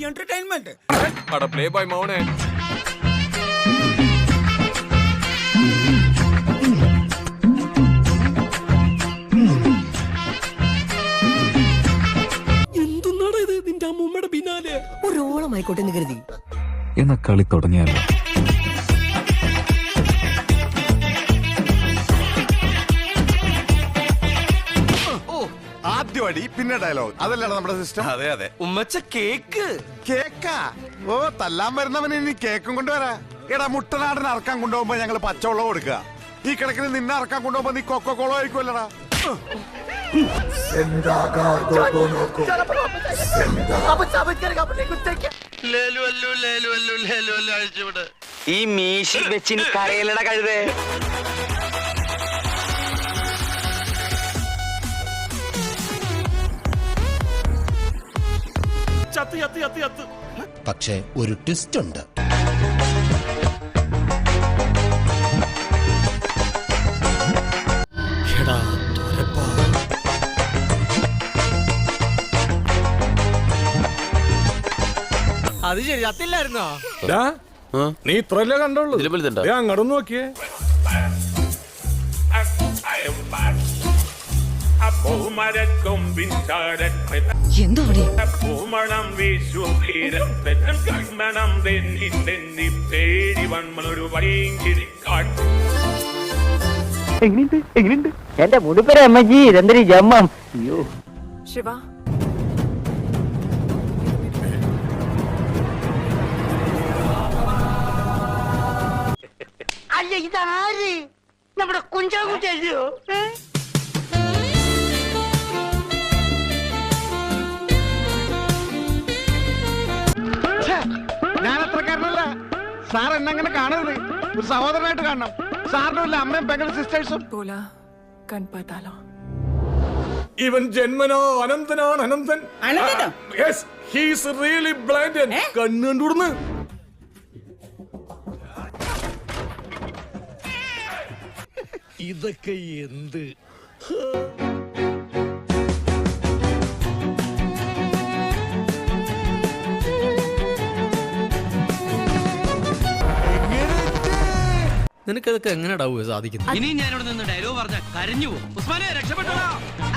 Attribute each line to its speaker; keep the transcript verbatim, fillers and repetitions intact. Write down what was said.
Speaker 1: entertainment.
Speaker 2: Ada play by മോനെ.
Speaker 1: എന്തുന്നാണ് ഇത് നിന്റെ അമ്മൂമ്മയുടെ പിന്നാലെ?
Speaker 3: ഒരു ഓളമായിക്കോട്ടെ എന്ന് കരുതി.
Speaker 4: എന്ന കളി തുടങ്ങിയാലോ?
Speaker 5: ആദ്യം അടി പിന്നെ ഡയലോഗ്, അതല്ലാണ് നമ്മുടെ സിസ്റ്റം.
Speaker 2: അതെ അതെ.
Speaker 1: ഉമ്മച്ച കേക്ക്
Speaker 5: കേക്കാ? ഓ, തല്ലാൻ വരുന്നവന് ഇനി കേക്കും കൊണ്ടുവരാ. എടാ, മുട്ടനാടിന് അറക്കാൻ കൊണ്ടുപോകുമ്പോ ഞങ്ങള് പച്ചവെള്ളം കൊടുക്കുക. ഈ കിടക്കിന് നിന്നെ അറക്കാൻ കൊണ്ടുപോകുമ്പോ നീ കൊക്കോ കോളോ ആയിരിക്കുമല്ലടാ.
Speaker 6: ഈ മീശി വെച്ചിന് കരയിലട കഴുതേ.
Speaker 7: പക്ഷേ ഒരു ട്വിസ്റ്റ് ഉണ്ട്.
Speaker 1: അത് ശരി, ചത്തില്ലായിരുന്നോ?
Speaker 2: നീ ഇത്രല്ലേ കണ്ടോളൂ. അങ്ങോട്ട് നോക്കിയേ.
Speaker 3: എന്തോ
Speaker 8: പൂമണം വീശും കൺമണം തെന്നി തെന്നി പേടി വന്മൊരു വൈകിരിക്കാട്ട്.
Speaker 6: എങ്ങനെയുണ്ട് എങ്ങനെയുണ്ട് എന്റെ മുടുപ്പര അമ്മജി ഇതെന്തൊരു ജമ്മം. അയ്യോ
Speaker 9: ശിവ,
Speaker 6: അല്ല ഇതാര്? നമ്മുടെ കുഞ്ചാകുട്ടിയോ?
Speaker 5: ഞാൻ അത്രക്കാരനല്ല സാർ. എന്നെങ്ങനെ കാണരുത്, ഒരു സഹോദരനായിട്ട് കാണണം. സാറിനും ഇല്ല അമ്മയും പെങ്ങളും സിസ്റ്റേഴ്സും.
Speaker 9: बोला കൺപത്താലോ.
Speaker 2: ഇവൻ ജന്മനോ അനന്തനാണ്. Ananthan. Yes, he is really blind. കണ്ണ് കണ്ടുവിടുന്നു.
Speaker 1: ഇതൊക്കെ എന്ത്? നിനക്കതൊക്കെ എങ്ങനെയാ സാധിക്കുന്നത്?
Speaker 6: ഇനി ഞാനിവിടെ നിന്ന് ഡയലോഗ് പറഞ്ഞ കരഞ്ഞു പോകും. ഉസ്മാനെ രക്ഷപ്പെട്ടോ.